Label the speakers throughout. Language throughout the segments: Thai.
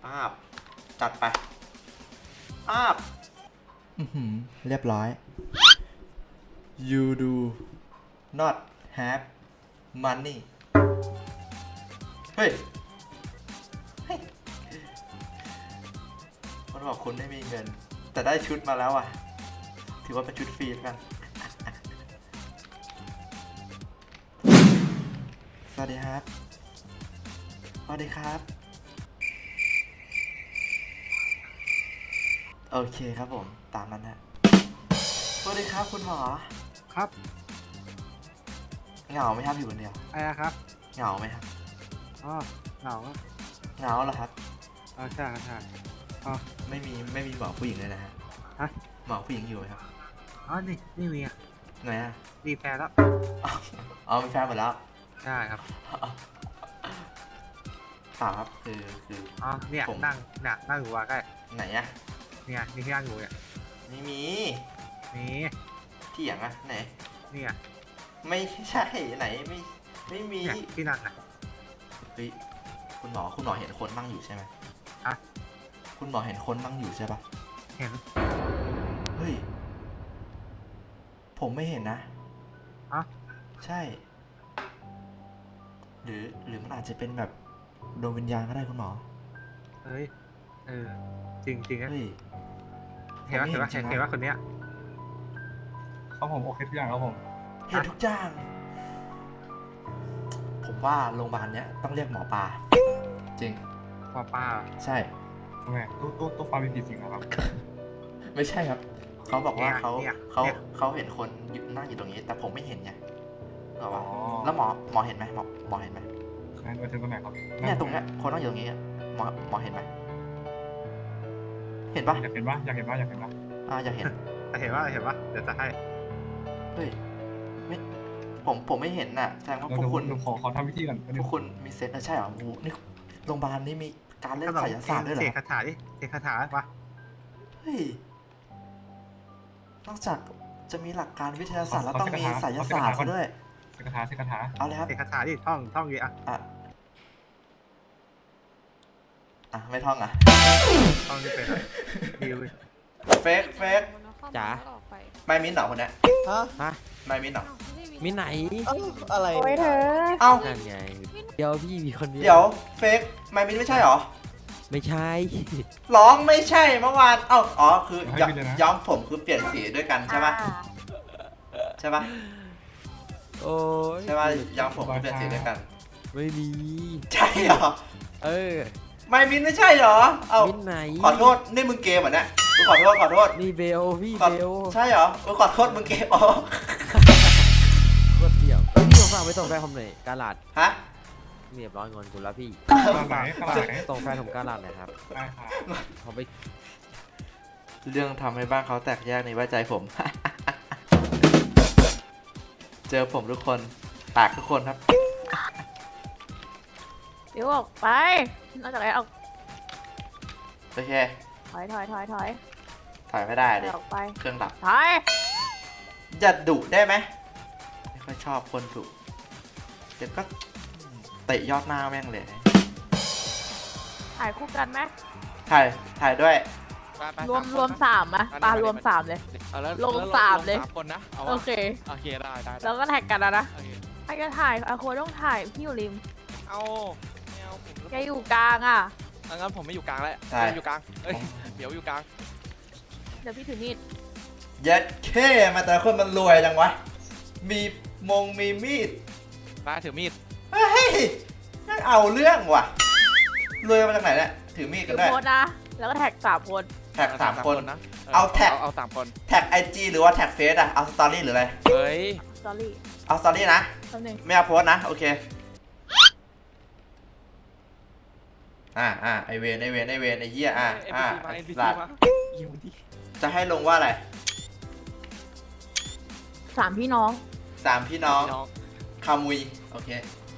Speaker 1: อาบจัดไปอาบเรียบร้อย you do not have money เฮ้ยมันบอกคุณไม่มีเงินแต่ได้ชุดมาแล้วอ่ะถือว่าเป็นชุดฟรีแล้วกันสวัสดีครับสวัสดีครับโอเคครับผมตามนั้นฮะสวัสดีครับคุณหมอ
Speaker 2: ครับ
Speaker 1: เหงาไหมครับอยู่คนเดียว
Speaker 2: อะไรนะครับ
Speaker 1: เหงาไหมครับ
Speaker 2: อ๋อเหงาครับ
Speaker 1: เหงาเหรอครับ
Speaker 2: ใช่ใช่อ๋อ
Speaker 1: ไม่มีหมอผู้หญิงเลยนะฮะหมอผู้หญิงอยู่ไหมครับ
Speaker 2: นี่ไม่มีอ่ะ
Speaker 1: ไหนอ่ะ
Speaker 2: มีแฟนแล้ว
Speaker 1: อ๋อมีแฟนหมดแล้ว
Speaker 2: ใช่ครับ
Speaker 1: ครับคือ
Speaker 2: เนี่ยนั่งอยู่ว่าใกล้
Speaker 1: ไหนอ่ะ
Speaker 2: เนี่ยนี่ที่นั่งอยู่เนี่ย
Speaker 1: ไม่มี
Speaker 2: มี
Speaker 1: ที่อย่างอ่ะไหน
Speaker 2: เนี่ย
Speaker 1: ไม่ใช่ไหนไม่มี
Speaker 2: ที่นั่งอ่ะ
Speaker 1: เฮ้ยคุณหมอเห็นคนนั่งอยู่ใช่ไหมคุณหมอเห็นคนนั่งอยู่ใช่ปะ
Speaker 2: เห็น
Speaker 1: เฮ้ยผมไม่เห็นนะใช่หรือมันอาจจะเป็นแบบดวงวิญญาณก็ได้คุณหมอ
Speaker 2: เฮ้ยจริงนะ
Speaker 1: เฮ้ย
Speaker 2: เห็นว่าคนเนี้ย
Speaker 3: เขาผมโอเคทุกอย่างครับผม
Speaker 1: เห็นทุกอย่างผมว่าโรงพยาบาลเนี้ยต้องเรียกหมอปลาจริง
Speaker 2: หมอปลา
Speaker 1: ใช่
Speaker 3: ทำไมตู้ปลามีกี่สิ่งครับ
Speaker 1: ไม่ใช่ครับเขาบอกว่าเขาเห็นคนนั่งอยู่ตรงนี้แต่ผมไม่เห็นไงบอกว่าแล้วหมอเห็นไหมหมอเห็นไหม
Speaker 3: นั่นไปถึงตรงไหนครับ
Speaker 1: เนี่ยตรงเนี้ยคนนั่งอยู่ตรงนี้หมอเห็นไหมเห็นปะ
Speaker 3: อยากเห็นปะอยากเห็นปะ
Speaker 1: อยากเห็น
Speaker 2: เห็นว่าเดี๋ยวจะให้
Speaker 1: เฮ้ยไม่ผมไม่เห็นน่ะแสดงว่าพวกคุณ
Speaker 3: ขอทำพิธีก่อน
Speaker 1: พวกคุณมีเซนต์ใช่เหรอโอ้นี่โรงพยาบาลนี้มีการเล่นไสยศาสตร์ด้วยเหรอ
Speaker 2: เสกคาถาดิเสกคาถาปะ
Speaker 1: เฮ้ยนอกจากจะมีหลักการวิทยาศาสตร์แล้วต้องมีไสยศาสตร์ด้วย
Speaker 3: เสกคาถา
Speaker 1: เอาเลยครับ
Speaker 2: เสกคาถาดิท่องอยู่
Speaker 1: ไม่ท่อง
Speaker 2: ท่องนี่เป็นดิว
Speaker 1: เฟก
Speaker 4: จ๋า
Speaker 1: ไม่มิ้นเหรอคนนี้
Speaker 4: ฮะ
Speaker 1: ไม่มิ้นเหรอ
Speaker 4: มิ้นไหน
Speaker 5: อะไร
Speaker 6: โอ้ยเธอ
Speaker 1: เอ้า
Speaker 4: นั่นไงเดี๋ยวพี่มีคนเดียว
Speaker 1: เดี๋ยวเฟกไม่มิ้นไม่ใช่หรอ
Speaker 4: ไม่ใช่
Speaker 1: ร้องไม่ใช่เมื่อวานคือย้อมผมคือเปลี่ยนสีด้วยกันใช่ปะใช่ปะ
Speaker 4: โอ้ย
Speaker 1: ใช่ปะย้อมผมคือเปลี่ยนสีด้วยกัน
Speaker 4: ไม่มี
Speaker 1: ใช่เหรอไม่มิ้นไม่ใช่เหรอ
Speaker 4: มิ้นไหน
Speaker 1: ขอโทษนี่มึงเกมเหรอเนี่ยขอโทษ
Speaker 4: นี่เบลพี่เบล
Speaker 1: ใช่เหรอขอโทษมึงเกม
Speaker 4: รถเดี่ยวพี่ส่งฝากไปส่งแฟนผมหน่อยกาลาด
Speaker 1: ฮะ
Speaker 4: เรียบร้อยงอนกูแล้วพี่ส่งแฟนผมกาลาดหน่อยครับเขาไป
Speaker 1: เรื่องทำให้บ้านเขาแตกแยกในว่าใจผม เจอผมทุกคนแตกทุกคนครับ
Speaker 6: เดี๋ยวออกไปนอกจากนั้นออก
Speaker 1: โอเค
Speaker 6: ถอย
Speaker 1: ไม่ได้เลย
Speaker 6: ออกไป
Speaker 1: เครื่องดับ
Speaker 6: ถอย
Speaker 1: อย่าดุได้ไหมไม่ค่อยชอบคนดุเดี๋ยวก็เตะยอดหน้าแม่งเลย
Speaker 6: ถ่ายคู่กันไหม
Speaker 1: ถ่ายด้วย
Speaker 6: รวม3อะปลารวม3เลยลง3เลย
Speaker 4: คนนะ
Speaker 6: โอเค
Speaker 4: ได้
Speaker 6: แล้วก็แท็กกันนะใครจะถ่ายอาโคต้องถ่ายพี่อยู่ริมแกอยู่กลางอ่ะ
Speaker 4: งั้นผมไม่อยู่กลางแล้วอยู่กลางเดี๋ยวอยู่กลาง
Speaker 6: เดี๋ยวพี่ถือมีด
Speaker 1: ยัดแค่มาแต่คนมันรวยจังวะมีมีด
Speaker 4: มาถือมีด
Speaker 1: เฮ้ยนั่นเอาเรื่องว่ะรวยมาจากไหนเนี่ยถือมีดกันได้
Speaker 6: โพสนะแล้วก็แท็ก3 คน
Speaker 1: แท็ก3 คนนะเอา
Speaker 4: 3 คน
Speaker 1: แท็ก IG หรือว่าแท็กเฟซเอาสตอรี่หรืออะไร
Speaker 4: เฮ้ย
Speaker 6: สตอรี่
Speaker 1: เอาสตอรี่นะไม่เอาโพสนะโอเคไอเวนไอเหี้ยหลัดจะให้ลงว่าอะไร
Speaker 6: 3 พี่น้อง
Speaker 1: คามุยโอเค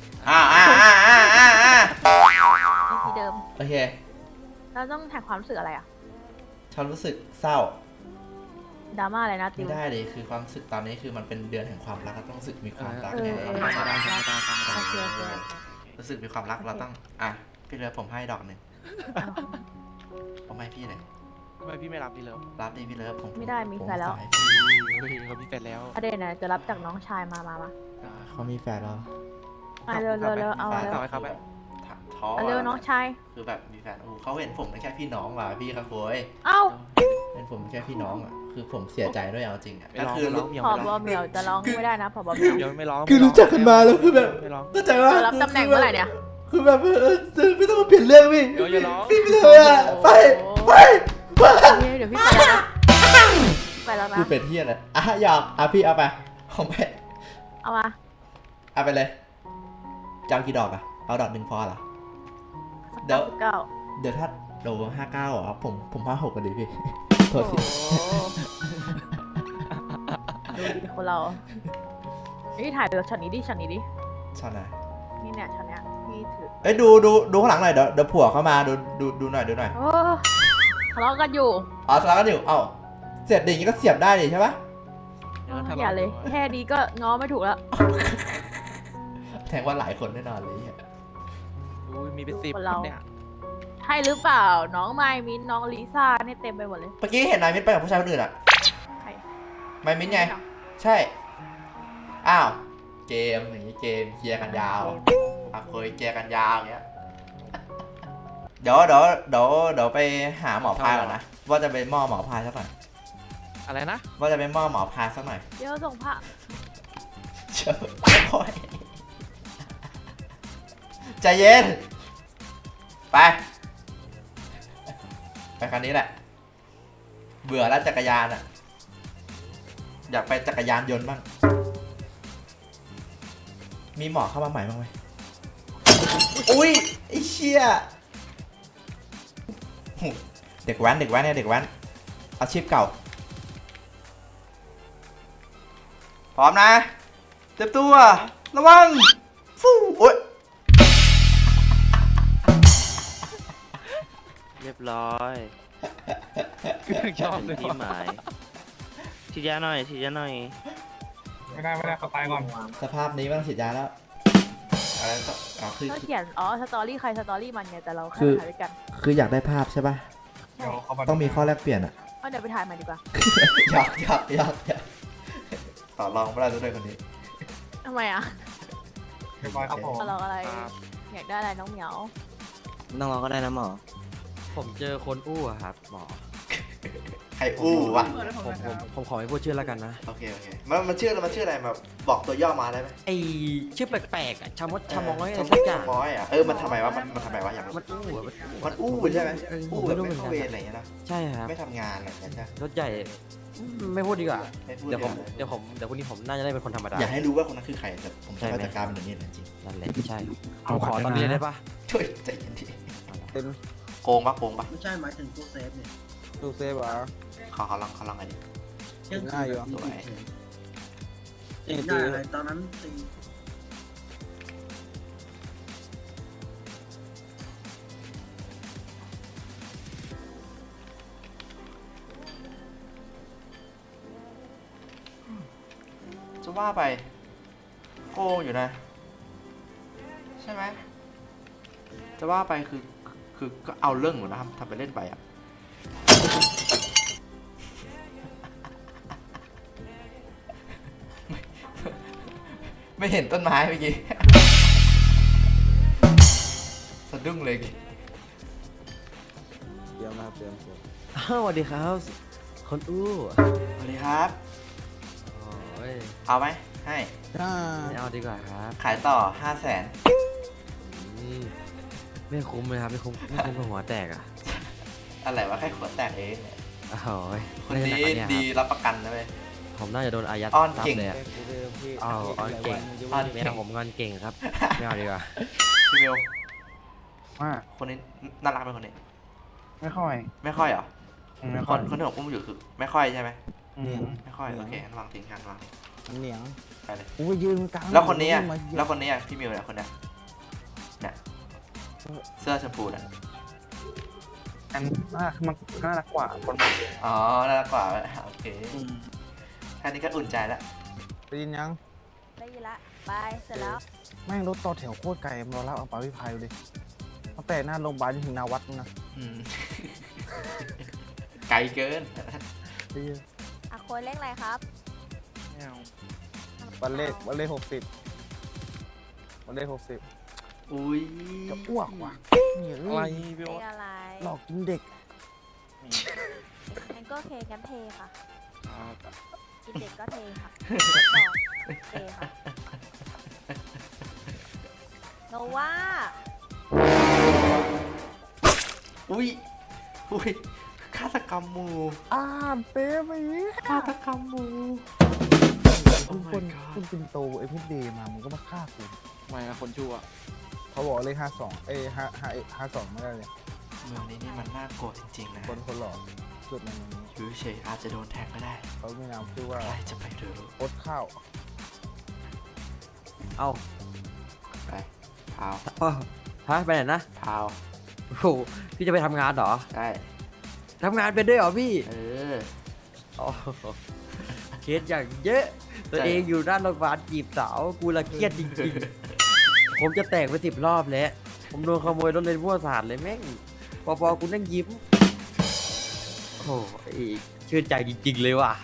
Speaker 6: ที่เดิม
Speaker 1: โอเค
Speaker 6: เราต้องแท็กความรู้สึกอะไร
Speaker 1: ฉันรู้สึกเศร้า
Speaker 6: ดราม่าอะไรนะ
Speaker 1: ไม่ได้เลยคือความรู้สึกตอนนี้คือมันเป็นเดือนแห่งความรักเราต้องรู้สึกมีความรักรู้สึกมีความรักเราต้องพี่เรือผมให้ดอกหนึ่งผมให้พี่เลย
Speaker 5: ทำไมพี่ไม่รับพี่เลิฟ
Speaker 1: รับดิพี่เลิฟผม
Speaker 6: ไม่ได้มีแฟนแล้ว
Speaker 1: ผมสายพี่
Speaker 5: เฮ้ยเขามีแฟนแล้ว
Speaker 6: ประเด็นน่ะจะรับจากน้องชายมา
Speaker 1: เขามีแฟนแล้ว
Speaker 6: เร็วเอา
Speaker 1: แฟน
Speaker 6: เร็ว
Speaker 5: ต่อไปครับ
Speaker 1: แบบท้อ
Speaker 6: เอาเร็วน้องชาย
Speaker 1: คือแบบมีแฟนเขาเห็นผมเป็นแค่พี่น้องว่ะพี่ครับโว้ย
Speaker 6: เอ้า
Speaker 1: เป็นผมแค่พี่น้องอ่ะคือผมเสียใจด้วยเอาจริงอ่ะ
Speaker 5: ไม่
Speaker 1: ก็
Speaker 5: ร้อง
Speaker 1: คือ
Speaker 5: ไม่ร้องเมียว
Speaker 6: ผอ
Speaker 5: ไม่
Speaker 6: บ
Speaker 5: ร้อง
Speaker 6: เหมียวจะร้องไม่ได้นะผอบเหมียว
Speaker 5: เมียวไม่ร้อง
Speaker 1: คือรู้จักกันมาแล้วคือแบบ
Speaker 5: ไม่ร้อง
Speaker 1: ก็ใจว่า
Speaker 6: จะรับตำแหน่งเมื่อไหร่เนี่ย
Speaker 1: คือแบบไม่ต้องมาเปลี่ยนเรื่องพี่
Speaker 5: เดี๋ยวอย่าร้อง
Speaker 1: พี่ไม่เลยอ่ะไป
Speaker 6: เดี๋ยวพี่ไปแล้วนะไปแล้วนะ
Speaker 1: คือเป็นเที่ยอะไรอ่ะหยอกอ่ะพี่เอาไปผมไป
Speaker 6: เอามา
Speaker 1: เอาไปเลยจะเอากี่ดอกอ่ะเอาดอกหนึ่งพอเหรอ เดี๋ยว
Speaker 6: เก้า
Speaker 1: เดี๋ยวถ้าโด59เหรอผม56กันดีพี่โท
Speaker 6: โอ้
Speaker 1: ษ
Speaker 6: โห
Speaker 1: ที
Speaker 6: ดูดิคนเรานี่ถ่ายดูช็อตนี้ดิ
Speaker 1: ชอบนะ
Speaker 6: นี่เนี่ยช็อตเนี้ยพี่ถือ
Speaker 1: เอ้ยดูข้างหลังหน่อยเดี๋ยวผัวเข้ามาดูหน่อย
Speaker 6: โอ้ทะเลาะกันอยู่
Speaker 1: อ๋อทะเลาะกันอยู่เอ้าเสียบดิ่างนี้ก็เสียบได้ดิใช่ปะ
Speaker 6: อย่าเลย แค่นี้ก็ง้อไม่ถูกแล้ว
Speaker 1: แทงว่าหลายคนแน่นอนเลยอ่ะ
Speaker 5: อุ้ยมีเป็น10
Speaker 6: คนเรา
Speaker 5: เนี่ย
Speaker 6: ใช่หรือเปล่า น้องไมมินน้องลิซ่าเนี่ยเต็มไปหมดเลย
Speaker 1: เมื่อกี้เห็นนายมิ้นไปกับผู้ชายคนอื่นอ่ะ
Speaker 6: ใคร
Speaker 1: นายมิ้นไงใช่อ้าวเกมอย่างนี้เกมเคลียร์กันยาวอ่ะเคยเคลียร์กันยาวอย่างเงี้ยเดี๋ยวไปหาหมอพายก่อนนะว่าจะไปมอบหมอพายสักหน่อย
Speaker 5: อะไรนะ
Speaker 1: ว่าจะไปมอบหมอพายสักหน่อย
Speaker 6: เดี๋ยวส่งพระ
Speaker 1: เชื่อไม่ค่อยใจเย็น ไปคันนี้แหละ เบื่อแล้วจักรยานอ่ะ อยากไปจักรยานยนต์บ้าง มีหมอเข้ามาใหม่บ้างไหมอุ้ยไอ้เชี่ยเด็กแว้นเนี่ยเด็กแว้นอาชีพเก่า พร้อมนะ เต็มตัว ระวัง ฟู่โอ๊ย
Speaker 7: เรียบร้อย
Speaker 5: ชอบเลย
Speaker 7: ที่หมายฉีดยาหน่อยฉีดยาหน่อย
Speaker 3: ไม่ได้เขาตายก่อน
Speaker 1: สภาพนี้ไม่ต้องฉีดยาแล้วอะไรต่ออ๋อคือ
Speaker 6: เขาเขียน สตอรี่ใครสตอรี่มันไงแต่เราแค่
Speaker 1: คือ
Speaker 6: ถ่ายด้วยกัน
Speaker 1: คืออยากได้ภาพใช่ป่ะ
Speaker 3: เดี๋ยวเขา
Speaker 1: ต้องมีข้อแลกเปลี่ยนอะ
Speaker 6: เอาเดี๋ยวไปถ่ายใหม่ดีกว่า
Speaker 1: อยากต่อรองไม่ได้ด้วยคนนี้
Speaker 6: ทำไมอ่ะ
Speaker 3: เรียบร้อยครับผม
Speaker 6: เราอะไร อยากได้อะไรน้องเหมียว
Speaker 7: น้องๆก็ได้นะหมอ
Speaker 4: ผมเจอคนอู้อะครับหมอ
Speaker 1: ใครอู้วะ
Speaker 4: ผมขอไม่พูดชื่อแล้วกันนะ
Speaker 1: โอเคมันชื่ออะไรมาบอกตัวย่อมาได้ไหม
Speaker 4: ไอชื่อแปลกๆอะชามดชามอยอะไร
Speaker 1: ชะ
Speaker 4: สักอย่าง
Speaker 1: มอยอ่ะมันทำไมวะมันทำไมวะอยากรู้
Speaker 4: มันอู้อะ
Speaker 1: มันอู้ใช่ไหม
Speaker 4: ผ
Speaker 1: อู้
Speaker 4: ม
Speaker 1: แบ
Speaker 4: ไม่
Speaker 1: บ
Speaker 4: รู้เห
Speaker 1: ไม่
Speaker 4: มือน
Speaker 1: เข้า
Speaker 4: กัน
Speaker 1: เวรอะไรอย่างเงี้ยนะ
Speaker 4: ใช่ครับ
Speaker 1: ไม่ทำงานอะไรอย่างเงี้ยนะ
Speaker 4: รถใหญ่ไม่พูดดีกว่า
Speaker 1: ไม่พูด
Speaker 4: เดี๋ยวผม
Speaker 1: เลย
Speaker 4: เดี๋ยวพรุ่งนี้ผมน่าจะได้เป็นคนธรรมดา
Speaker 1: อย่าให้รู้ว่าคนนั้นคือใครแต่ผม
Speaker 4: ใช่
Speaker 1: จะ
Speaker 4: ไหม
Speaker 1: จัดการมันอย่างนี้เลยจริง
Speaker 4: นั่นแหละใช่ผมขอตอนนี้เลยได้ปะ
Speaker 1: ช่วยใจเย็นทีโกงปะ
Speaker 8: ไม่ใช่หมายถึงตู้เซฟเนี่ย
Speaker 5: ตู้เซฟเหรอ
Speaker 1: เขาลองไงดิ
Speaker 5: ง่ายอยู่
Speaker 1: สวย
Speaker 8: ตีได้อะไรตอนนั้นตี
Speaker 1: จะว่าไปโกงอยู่นะ ใช่ไหมจะว่าไปคือก็เอาเรื่องอยู่นะครับทำไปเล่นไปอ่ะ ไม่เห็นต้นไม้เมื่อกี้ สะดุ้งเลย
Speaker 5: เตรียมนะครับเตรียม
Speaker 4: อ้าวสวัสดีครับ คนอู้
Speaker 1: สวัสดีครับ
Speaker 4: โอ้ย
Speaker 1: เอาไหมให้
Speaker 4: ไม่เอาดีกว่าครับ
Speaker 1: ขายต่อ 500,000
Speaker 4: อืมไม่คุ้มเลยครับไม่คุ้มกับหัวแตกอ่ะ
Speaker 1: อะไรวะแค่ขวดแตกเองเนี่ย
Speaker 4: โอ้ย
Speaker 1: คนนี้
Speaker 4: ไม่ได้หนักกว่า
Speaker 1: ดี
Speaker 4: เย
Speaker 1: รับประกันนะเว้ย
Speaker 4: ครับผมน่าจะโดนอายัด
Speaker 1: อ้อน
Speaker 4: ทรัพ
Speaker 1: เก่ง
Speaker 4: ย์เลยอะอ้อนเก่ง
Speaker 1: อ้อน
Speaker 4: ไม่
Speaker 1: เก่ง
Speaker 4: เอาผมงอนเก่งครับ ไม่เอาดีกว่า
Speaker 1: พี่เบล
Speaker 2: ว่า
Speaker 1: คนนี้น่ารักไหมคนนี้
Speaker 2: ไม่ค่อย
Speaker 1: ไม่ค่อยเหรอ
Speaker 2: ไม่
Speaker 1: ค
Speaker 2: ค่อย
Speaker 1: นที่ผมอุ้มอยู่คือไม่ค่อยใช่ไหม
Speaker 2: อืม
Speaker 1: ไม่ค่อยโอเคงั้นวางทิ้งกันวาง
Speaker 5: เหนียง
Speaker 1: ไปเลย
Speaker 5: กูไปยืนกลาง
Speaker 1: แล้วคนนี้อ่ะแล้วคนนี้อ่ะพี่มิวเนี่ยคนเนี้ยเนี่ยเสื้อชมพูเนี่ย
Speaker 2: อันมันน่ารักกว่าคน
Speaker 1: อ๋อน่ารักกว่าโอเคแค่นี้ก็อุ่นใจแล้ว
Speaker 5: ได้ยินยัง
Speaker 6: ได้ยินละไปเสร็จแล้ว
Speaker 5: แม่งรถต่อแถวโคตรไกลมารอรับเอาปลาวิพายดูดิตั้งแต่หน้าโรงพยาบาลจนถึงหนาวัดนะ
Speaker 1: อืม ไกลเกิน
Speaker 5: เหี้ย
Speaker 6: อะโคนเลขอะไรครับ
Speaker 5: วันเลข60วันเลข60
Speaker 1: อุ้ย
Speaker 5: จะอ้วกว่ะเนี่ย
Speaker 2: อะไร
Speaker 6: เลขอะไร
Speaker 5: หลอกกินเด็ก
Speaker 6: งั้นก็เคกันเทค่ะ กินเด็กก็เทค่ะเทค่ะโนว่า
Speaker 1: อุ้ยอุ้ยฆาตกรรมหมู่
Speaker 5: เป๊ะไปเนี่ย
Speaker 1: ฆาตกรรมหมู่
Speaker 5: คุณ
Speaker 1: Oh
Speaker 5: ค
Speaker 1: my
Speaker 5: น
Speaker 1: god
Speaker 5: คุณปินโตไอ้พิษเดย์มามึงก็มาฆ่ากู
Speaker 2: ไม่นะคนชั่ว
Speaker 5: เขาบอกเลข5252ไม่ได้เลย
Speaker 1: เมืองนี้นี่มันน่ากลัวจริงๆนะ
Speaker 5: คนหลอกสุดในนี้
Speaker 1: อยู่เฉยๆอาจจะโดนแทงก็ได้
Speaker 5: เขามีนามชื่อว่า
Speaker 1: ใครจะไปรู้
Speaker 5: โคตรข้าว
Speaker 4: เอา
Speaker 1: ไปพาว
Speaker 4: ฮะไปไหนนะ
Speaker 1: พาว
Speaker 4: โอ้โหพี่จะไปทำงานเหรอ
Speaker 1: ได้
Speaker 4: ทำงานเป็นด้วยเหรอพี่
Speaker 1: เออ
Speaker 4: อ๋อเคสอย่างเยอะ ตัวเองอยู่ด้านโรงพยาบาลจีบสาว กูละเครียดจริงๆ ผมจะแตกไป10 รอบแล้ว ผมโดนขโมยรถเลนมั่วสาดเลยแม่งปอกูนั่งยิ้ม โอ้โหชื่นใจจริง ๆ เลยว่ะ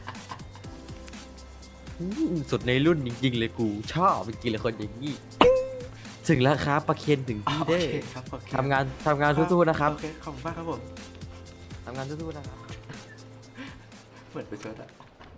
Speaker 4: สุดในรุ่นจริง ๆ เลยกูชอบจริงๆเลยคนอย่างนี้ ถึงแล้วครับประเคนถึงที่
Speaker 1: โอ
Speaker 4: เด้อ
Speaker 1: เคครับโอเค
Speaker 4: ทำงานสู้ๆนะครับ
Speaker 1: โอเคขอบคุณมากครับผม
Speaker 4: ทำงานสู้ๆนะครับ
Speaker 1: เหมือนไปชดอะ